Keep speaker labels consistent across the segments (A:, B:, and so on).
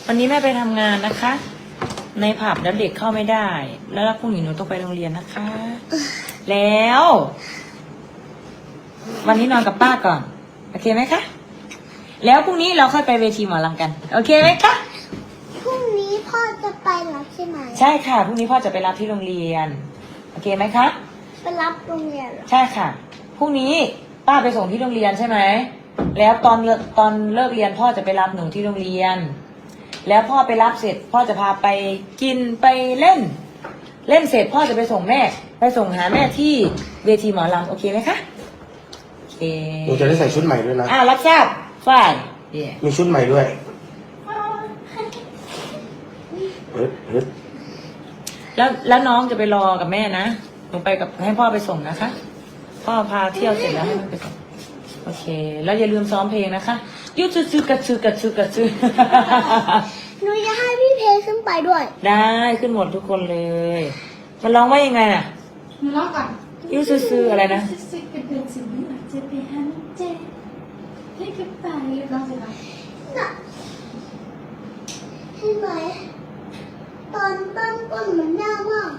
A: วันนี้แม่ไปทำงานนะคะ ในผับแล้วเด็กเข้าไม่ได้ แล้วพรุ่งนี้หนูต้องไปโรงเรียนนะคะ แล้ว วันนี้นอนกับป้าก่อนโอเคไหมคะแล้วพรุ่งนี้เราค่อยไปเวทีหมอลำกันโอเคไหมคะ
B: พรุ่งนี้พ่อจะไปรับใช่ไหม
A: ใช่ค่ะพรุ่งนี้พ่อจะไปรับที่โรงเรียนโอเคไหมคะ
B: ไปรับโรงเรียนเหรอ
A: ใช่ค่ะพรุ่งนี้ป้าไปส่งที่โรงเรียนใช่ไหมแล้วตอนเลิกเรียนพ่อจะไปรับหนูที่โรงเรียนแล้วพ่อไปรับเสร็จพ่อจะพาไปกินไปเล่นเสร็จพ่อจะไปส่งแม่ไปส่งหาแม่ที่เวทีหมอลำโอเคไหมคะโอเค
C: หนูจะได้ใส่ชุดใหม่ด้วยนะ
A: รับทราบฝ่าย
C: มีชุดใหม่ด้วย
A: แล้วน้องจะไปรอกับแม่นะหนูไปกับให้พ่อไปส่งนะคะพ่อพาเที่ยวเสร็จแล้วให้มันไปส่งโอเคแล้วอย่าลืมซ้อมเพลงนะคะยุดซื้อกระซื้อกระซื้อกระซื้อ
B: หนูจะให้พี่เพขึ้นไปด้วย
A: ได้ขึ้นหมดทุกคนเลยมันร้องว่ายังไงน่ะ
D: หนูร้องก่อน
A: ยุดซื้ออะไรนะ
D: ซื้อกระเดือกสิ่งนี้อาจจะไปหันเจให้กับไปร้องสิคะ
B: น่ะเห็นไหมตอนตั้งต้นมันยากมาก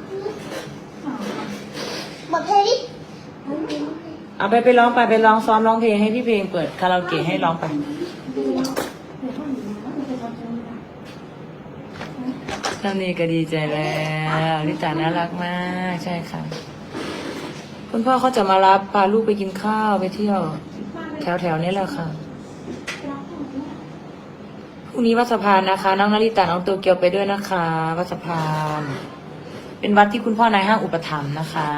B: บอกเพลงดิ
A: เอาไปร้องไปร้องซ้อมร้องเพลงให้พี่เพลงเปิดคาราโอเกะให้ร้องไปตอนนี้ก็ดีใจแล้วลิตาน่ารักมากใช่ค่ะคุณพ่อเขาจะมารับพาลูกไปกินข้าวไปเที่ยวแถวนี้แหละค่ะพรุ่งนี้วัดสะพานนะคะน้องนาริตาน้องโตเกียวไปด้วยนะคะวัดสะพานเป็นวัดที่คุณพ่อนายห้างอุปถัมภ์นะคะ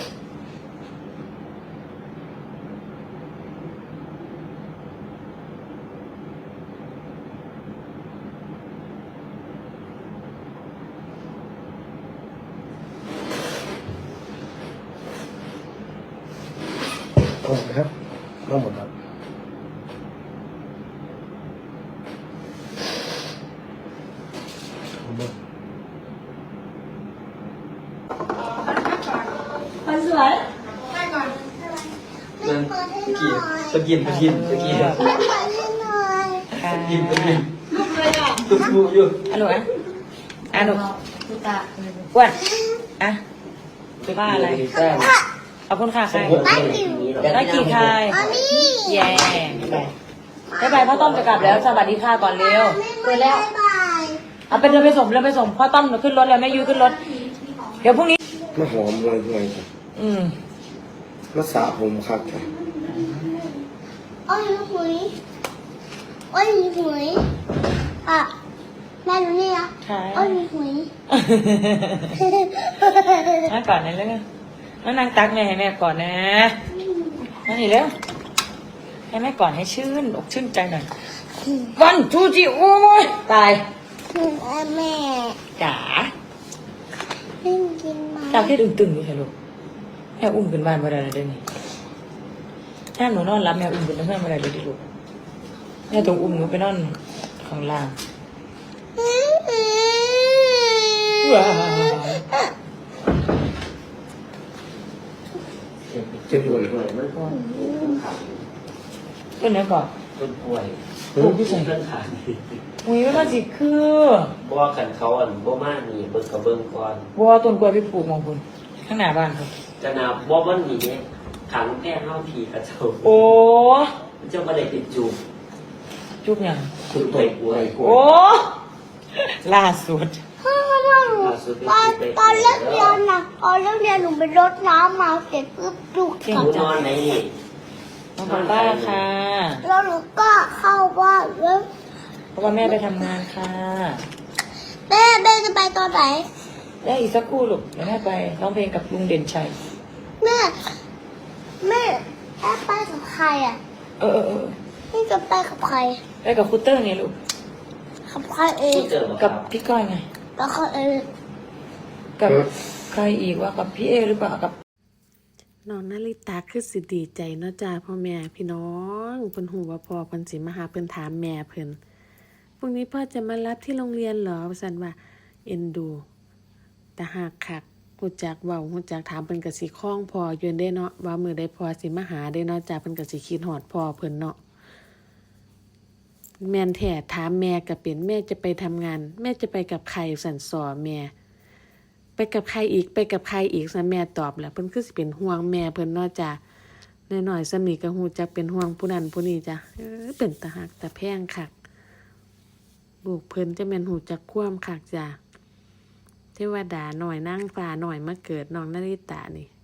C: ครับน้องหมดครับ
A: คนสวย
D: ได้ก่อน
B: ไม่เปิดให้หน่อย
E: ตะกิน
B: ไม่เปิดให้หน่อย
E: กิน
D: ลูกเลยอ่ะ
E: ลูกอยู่
A: ฮัลโหลอ่ะหนู
D: ดูตา
A: อ้วนอ่ะว่าอะไรขอบคุณค่ะใคร
B: ได้ดิว
A: ได้กี่ใคร
B: อันนี้
A: แย่บ๊ายบายพ่อต้อมจะกลับแล้วสวัสดีค่ะก่อนเร็วเปิดแล้ว
B: บ๊ายบาย
A: เอาไปเดินไปส่งพ่อต้อมขึ้นรถแล้วแม่ยูขึ้นรถเดี๋ยวพรุ่งนี้
C: มาหอมเลยครับมาสระผมครับค่ะ
B: อ้อยหุยอ้อยหุยอ่ะแม่รู้นี่นะ
A: ใช่
B: อ้อยหุย
A: นั่งก่อนนะเร็วแล้วนั่งตักแม่ให้แม่ก่อนนะนั่นนี่เร็วให้แม่ก่อนให้ชื่นอกชื่นใจหน่อยวันจูจิโอ้ยตาย
B: แม่
A: จ๋า
B: เล่นกินมา
A: จากที่ตึงๆอยู่ใช่ลูกแม่อุ้มขึ้นบ้านมาได้เลยเดี๋ยวนี้ถ้าหนูนอนรับแม่อุ้มขึ้นบ้านมาได้เลยดิลูกแม่ต้องอุ้มหนูไปนอนข้างล่างว้าว
C: เจ็บปวดเลย
A: เป็นไงก่อน
E: ต้นป่วย
A: อุ้มพี่ใส่
E: เรื่องขาด
A: อุ้ยว่าสิคือ
E: บ่ขันเขาบ่มากนี่เบิ่งกับเบิ่งก่อน
A: บัวต้นกล้วยไปปลูกมองคุณข้างหน้าบ้านครับ
E: จะนาบ่มันนี่เนี่ยขังแพ้เฮาทีกระเจ้า
A: โอ้
E: เจ้าบ่ได้ติดจูบ
A: จุบยัง
E: จุบไปป่วย
A: โอ้ล่าสุด
B: พ่อตอนเลิกเรียนนะตอนเลิกเรียนหนูไปรดน้ำมาเสร็จปุ๊บลูก
E: หนูนอนไหนนี่
A: น้องป้าค่ะ
B: แล้วหนูก็เข้าบ้านแล้ว
A: เพราะว่าแม่ไปทำงานค่ะ
B: แม่จะไปตอนไหน
A: ได้อีกสักครู่ลูกเดี๋ยวแม่ไปร้องเพลงกับลุงเด่นชัย
B: แม่ไปกับใครอ่ะ
A: เออ
B: นี่จะไปกับใคร
A: ไปกับครูเตอร์เนี่ยลูก
B: กับใครเอง
E: เจอบ่ค
A: กั
E: รั
A: บบ พี่ก้อยไง
B: แล้วเขาเอง
A: กับใครอีกว่ากับพี่เอหรือเปล่ากับ
F: น้องนาริตาคือสิดีใจเนาะจ้าพ่อแม่พี่น้องเพิ่นหูว่าพ่อเพิ่นสิมาหาเพิ่นถามแม่เพิ่นพรุ่งนี้พ่อจะมารับที่โรงเรียนเหรอว่าซั่นว่าเอ็นดูแต่หากคักฮู้จักเว้าฮู้จักถามเพิ่นก็สิคล้องพ่ออยู่เด้เนาะว่ามื้อใดพ่อสิมาหาเด้เนาะจ้าเพิ่นก็สิคิดฮอดพ่อเพิ่นเนาะแม่นแท้ถามแม่ก็เป็นแม่จะไปทำงาน แม่จะไปกับใครสั่นสอแม่ ไปกับใครอีกไปกับใครอีกซะแม่ตอบแล้วเพิ่นคือสิเป็นห่วงแม่เพิ่นเนาะจ้ะน้อยๆสำนี้ก็ฮู้จักเป็นห่วงผู้นั้นผู้นี้จ้ะเป็นตาฮักตาแพงคักลูกเพิ่นจะแม่นฮู้จักความคักจ้ะเทวดาน้อยนางฟ้าน้อยมาเกิดน้องนาริตานี่